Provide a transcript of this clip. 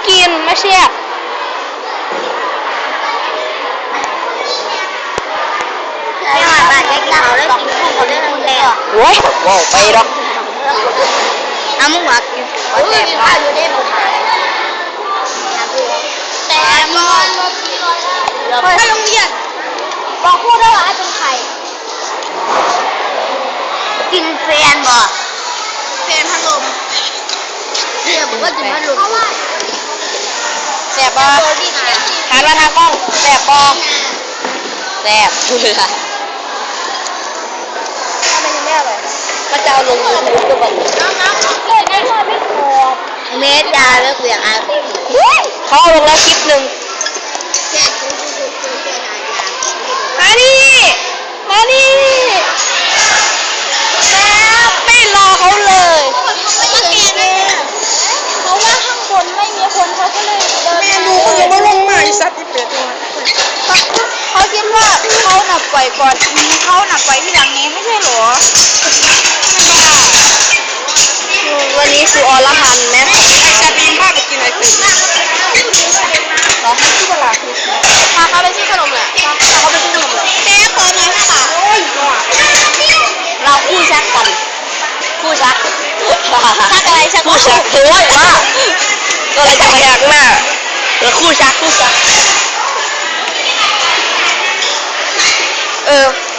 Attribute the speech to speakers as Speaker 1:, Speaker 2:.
Speaker 1: กินมาเชียบ
Speaker 2: ไม่ว่าบ้านจะกินเขาแล้วกินคู่เขาได้ทั้งแล้ว
Speaker 1: โว้ยว้าวไปหรอก
Speaker 2: เอามึงว่ากินแต่ข้าวอยู่ได้หมดแต่มอนถ้าโรงเรียนบอกพูดได้ว่าเป็นใครกินแฟนบ่แฟนพัดลมเดี๋ยวผมก็กินพัดลม
Speaker 1: แสบบ่หันมาทางกล้องแสบบ่แสบเบื่อถ้ามันยังไม่อร่อยก็จะเอาลงยูทูบตัวแบบ
Speaker 2: น้องเลยไม่ชอบพี่ขอบเมตรยาแล้วกูอยากอ่าน
Speaker 1: เขาเอาลงแล้วคลิปหนึ่งมานี่มานี่แล้วไม่รอเขาเลย
Speaker 2: เขาว่าข้างบนไม่มีคนเขาก็เลยเดิน
Speaker 3: แม่ดูเขาจะมาลงมาอีสัตว์อีเป็ดเลย
Speaker 2: เขาคิดว่าเขาหนักปล่อยก่อนเขาหนักปล่อยที่หลังนี้ไม่ใช่หรอ
Speaker 1: วันนี้คืออรหันต์ไหม
Speaker 3: จะดีมากไปกินอะไรกัน
Speaker 1: เหรอที่เวลาคือพาเขาไปซื้อขนมแหละพาเขาไปซื้อขนมแหละ
Speaker 2: แม่ขอหน่อยค่ะ
Speaker 3: โอ้ยนัว
Speaker 1: เราคู่ชักกันคู่ชัก
Speaker 2: ชักอะไรชัก
Speaker 1: คู่ชักโอ้ยว่าก็เลยจะพยักหน้าแล้วคู่ชัก